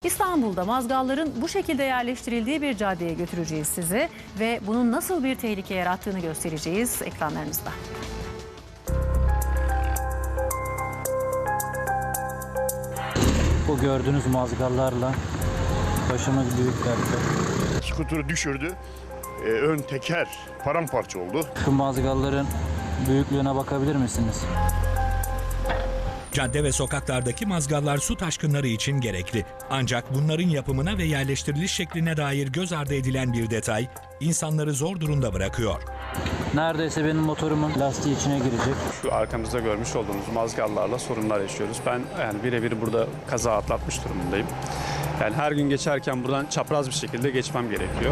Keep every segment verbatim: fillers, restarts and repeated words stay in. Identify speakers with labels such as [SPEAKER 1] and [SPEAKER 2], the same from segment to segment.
[SPEAKER 1] İstanbul'da mazgalların bu şekilde yerleştirildiği bir caddeye götüreceğiz sizi ve bunun nasıl bir tehlike yarattığını göstereceğiz ekranlarınızda.
[SPEAKER 2] Bu gördüğünüz mazgallarla başımız büyük dertte.
[SPEAKER 3] Skuturu düşürdü. Ee, ön teker paramparça oldu.
[SPEAKER 2] Şu mazgalların büyüklüğüne bakabilir misiniz?
[SPEAKER 4] Cadde ve sokaklardaki mazgallar su taşkınları için gerekli. Ancak bunların yapımına ve yerleştiriliş şekline dair göz ardı edilen bir detay insanları zor durumda bırakıyor.
[SPEAKER 2] Neredeyse benim motorumun lastiği içine girecek.
[SPEAKER 5] Şu arkamızda görmüş olduğumuz mazgallarla sorunlar yaşıyoruz. Ben yani birebir burada kaza atlatmış durumundayım. Yani her gün geçerken buradan çapraz bir şekilde geçmem gerekiyor.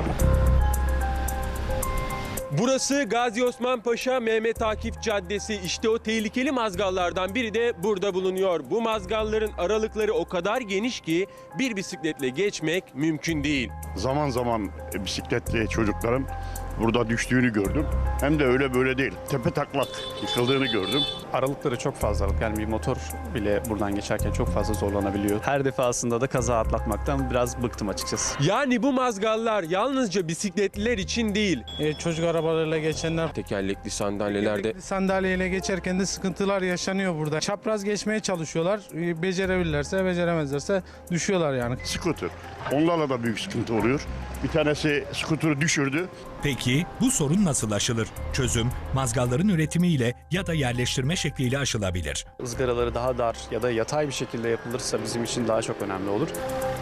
[SPEAKER 6] Burası Gazi Osman Paşa Mehmet Akif Caddesi. İşte o tehlikeli mazgallardan biri de burada bulunuyor. Bu mazgalların aralıkları o kadar geniş ki bir bisikletle geçmek mümkün değil.
[SPEAKER 3] Zaman zaman bisikletli çocuklarım burada düştüğünü gördüm. Hem de öyle böyle değil. Tepe taklak yıkıldığını gördüm.
[SPEAKER 5] Aralıkları çok fazla. Yani bir motor bile buradan geçerken çok fazla zorlanabiliyor. Her defasında da kaza atlatmaktan biraz bıktım açıkçası.
[SPEAKER 6] Yani bu mazgallar yalnızca bisikletliler için değil.
[SPEAKER 7] E, çocuk arabalarıyla geçenler
[SPEAKER 8] Tekerlekli sandalyelerde
[SPEAKER 7] tekerlekli sandalyeyle geçerken de sıkıntılar yaşanıyor burada. Çapraz geçmeye çalışıyorlar. E, becerebilirlerse, beceremezlerse düşüyorlar yani.
[SPEAKER 3] Skuter. Onlarla da büyük sıkıntı oluyor. Bir tanesi skuturu düşürdü.
[SPEAKER 4] Peki bu sorun nasıl aşılır? Çözüm mazgalların üretimiyle ya da yerleştirme şekliyle aşılabilir.
[SPEAKER 5] Izgaraları daha dar ya da yatay bir şekilde yapılırsa bizim için daha çok önemli olur.